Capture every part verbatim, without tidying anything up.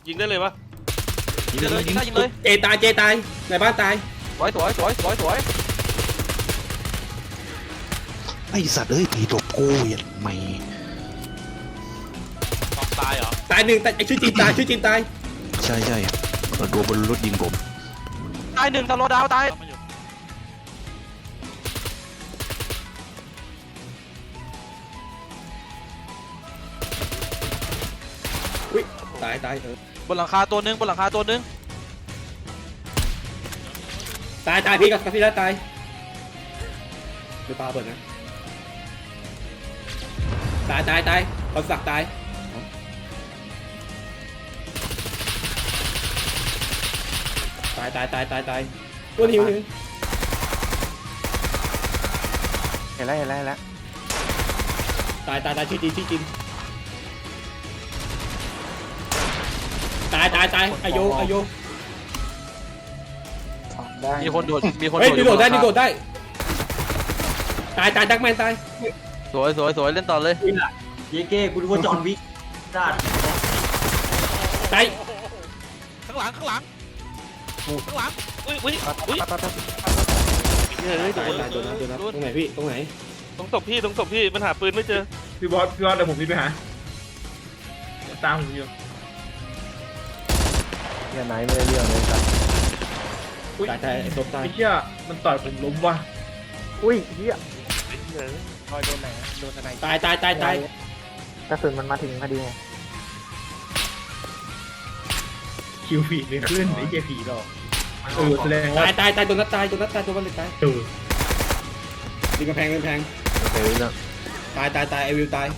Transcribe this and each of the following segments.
ยิงได้เลยปะยิงได้เลยยิงได้ยิงเลยเจตายเจตายในบ้านตายสวยสวยสวยสวยสวยไอสัตว์เอ้ยผีตบกูอย่าไม่ต้องตายเหรอตายหนึ่งแต่ไอชื่อจีนตายชื่อจีนตายใช่ใช่โดนบนรถยิงผมตายหนึ่งสโลดาวตายอุ้ยตายตายเออบนหลังคาตัวนึงบนหลังคาตัวนึงตายตายพี่กับพี่แล้วตายดูปลาเปิดนะตายตายตายคอนสักตายตายตายตายตายตายตัวหิวหิวเห็นแล้วเห็นแล้วเห็นแล้วตายตายตายชื่อจีนชื่อจีนตายตายตายอายุอายุได้มีคนโดดมีคนเฮ้ยโดดนี่โดดได้นี่โดดได้ตายตายดักแมนตายสวยสวยสวยเล่นต่อเลยเยเก้กูรู้ว่าจอห์นวิกได้ตายข้างหลังข้างหลังข้างหลังอุ้ยอุ้ยอุ้ยเฮ้ยโดนตายโดนนะโดนนะตรงไหนพี่ตรงไหนตรงศพพี่ตรงศพพี่มันหาปืนไม่เจอพี่บอสพี่บอสเดี๋ยวผมพี่ไปหาตามผมอยู่เฮียไหนไม่ได้เรื่องเลยครับตายตายไอ้ศพตายไอ้เชี่ยมันต่อยผมล้มว่ะอุ้ยเฮียคอยโดนไหนโดนอะไรตายตายตายตายกระสุนมันมาถึงพอดีไงคิวผีไม่ขึ้นไอ้เหี้ยผีหรอกเออแสดงว่าตายตายตายโดนนัดตายโดนนัดตายโดนวันเลยตายเออดีกระแพงกระแพงโอเคแล้วตายตายตายไอวิวตาย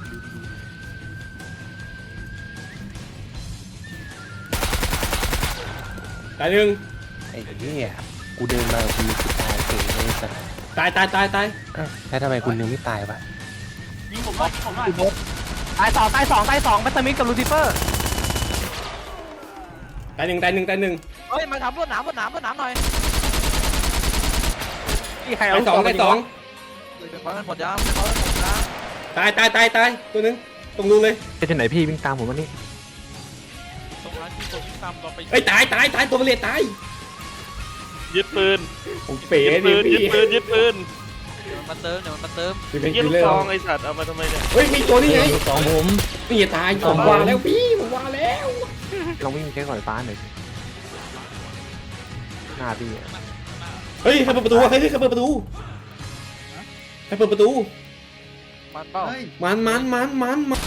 ตายหนึ่งไอ้เฮียกูเดินมากูคือตายเฉยเลยสัตว์ตายตายตายตายแล้วทำไมคุณยังไม่ตายวะยิงผมบอสผมหน่อยตายสองตายสองตายสองบัตเตอร์มิกกับลูซิเฟอร์ตายหนึ่งตายหนึ่งตายหนึ่งเฮ้ยมาทำรวดหนามรวดหนามรวดหนามหน่อยที่ใครตาเอายสองตายสองขอหมดยามขอหมดยามตายตายตายตายตัวหนึงตรงรูเลยไปที่ไหนพี่วิ่งตามผมมานี่ตรงนั้นที่ตัวที่ตามเราไปเอ้ยตายตายตายตัวเลียตายยึดปืนผมเป๋ยึดดิปืนยึพี่ดปืนยึดปืนเดี๋ยวมันมาเติมเดี๋ยวมันมาเติมพี่เป็นยึดคิลูลเลกอซองร์ไอ้สัตว์เอามาทำไมเนี่ยเฮ้ยมีตัวนี้ไงสองผมนี่ตายผมว่าแล้วพี่ผมว่าแล้วลองวิ่งใช้ก่อนฟ้าหน่อยหน้าพี่อะเฮ้ยใครเปิดประตูวะเฮ้ยใครเปิดประตูใครเปิดประตูมันเป้ามันมันมันมันมัน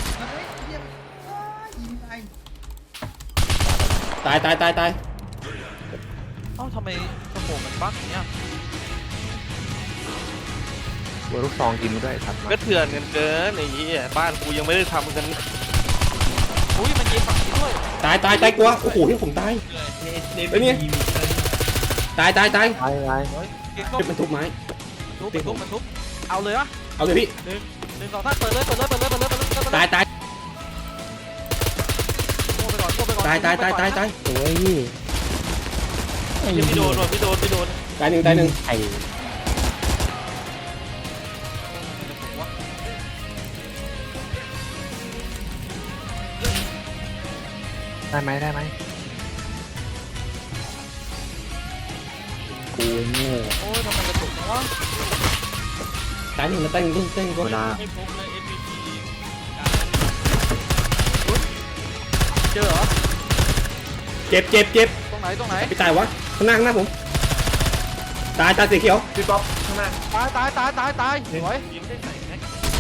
ตายตายตายตายเอ้าทำไมสมองมันบั๊กอย่างเงี้ยวัวลูกซองกินมาด้วยสัตว์มาก็เถื่อนกันเกินไอ้เหี้ยบ้านกูยังไม่ได้ทำกันอุ้ยมันยิงฝั่งนี้ด้วยตายตายตายกลัวโอ้โหที่ผมตายเนสเนสเฮ้ยเนี่ย ตายตายตายตายตายเฮ้ยเก่งก็เก็บมันทุบไม้ทุบมันทุบมันทุบเอาเลยวะเอาเลยพี่หนึ่งหนึ่งสองสามเปิดเลยเปิดเลยเปิดเลยเปิดเลยเปิดเลยเปิดเลยตายตายโก้ไปก่อนโก้ไปก่อนตายตายตายตายตายโอ้ยพี่ยังไม่โดนว่ะไม่โดนไม่โดนตายหนึ่งตายหนึ่งไอ้ได้ไหมได้ไหมกูโง่โอ้ยทำไมกระตุกจังวะตายหนึ่งตายหนึ่งตายหนึ่งเวลาให้พบเลย เอ็ม วี พีเจอเหรอเจ็บเจ็บเจ็บตรงไหนตรงไหนไปตายวะข้างหน้าข้างหน้าผมตายตายสีเขียวพี่ป๊อปข้างหน้าตายตายตายตายตายสวยยิงได้ไหนแม็ก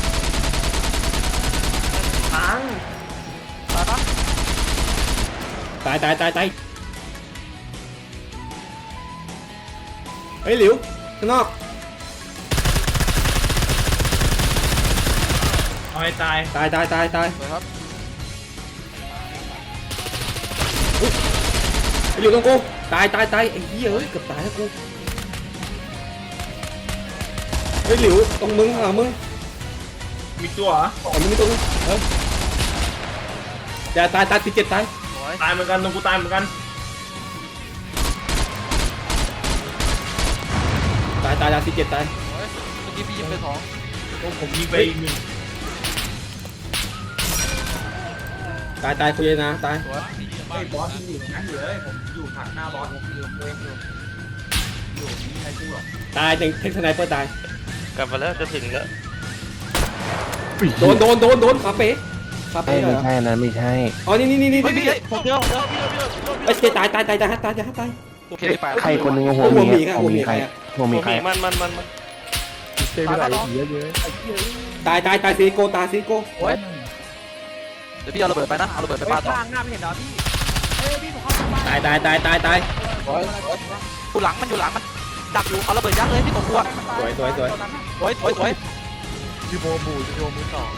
พังตายปะตายตายตายตายเฮ้ยหลิวข้างนอกเอาให้ตายตายตายตายตายสวยครับไอ้หลิวตรงกูตายตายตายไอ้เหี้ยเอ้ยเกือบตายแล้วกูเฮ้ยหลิวตรงมึงอ่ะมึงมีตัวเหรออ๋อมึงมีตัวนึงเอออย่าตายตายสิบเจ็ดตายสวยตายเหมือนกันตรงกูตายเหมือนกันตายตายตายสิบเจ็ดตายสวยเมื่อกี้พี่ยิงไปสองโอ้ผมยิงไปอีกหนึ่งตายตายคุยนะตายสวยไอ้บอสยังอยู่ตรงนั้นอยู่เลยผมอยู่ถักหน้าบอสผมอยู่เองอยู่อยู่ไม่มีใครกู้หรอกตายเต็งเทคสไนเปอร์ตายกลับมาแล้วจะถึงแล้วโดนโดนโดนโดนขาเป๊ะขาไม่เป๊ะเหรไม่อใช่นะไม่ใช่อ๋อนี่นี่นี่นี่เฮ้ยพี่นี่ผมเจอผมเจอไอ้ยตายตายตายตายตายตายตายตายโอเคไปใครคนหนึงหัหัววหหมีมีครับหัวหมีหัวหมีใครครับหัวหมีใครมันมันมันมันเต็มไปหลายทีเยอะตายตายตายซีโกตายซีโกโอ้ยเดี๋ยวพี่เอาระเบิดไปนะเอาระเบิดไปปาต่อข้างหน้าไม่เห็นเหรอพี่เฮ้ยพี่ผมเข้าบ้านตายตายตายตายตายอยู่หลังมันอยู่หลังมันดักอยู่เอาระเบิดยัดเลยพี่ตกกลัวสวยสวยสวยสวยสวยสวยพี่โบบูพี่โบมือสอง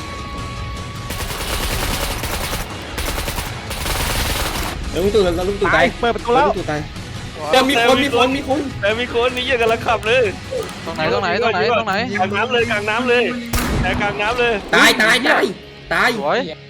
แล้วลุงตู่แล้วลุงตู่ตายเปิดประตูแล้วลุงตู่ตายแต่มีคนมีคนมีคนแต่มีคนนี่ยังกำลังขับเลยตรงไหนตรงไหนตรงไหนตรงไหนกลางน้ำเลยกลางน้ำเลยแต่กลางน้ำเลยตายตายตายตายสวยเหี้ย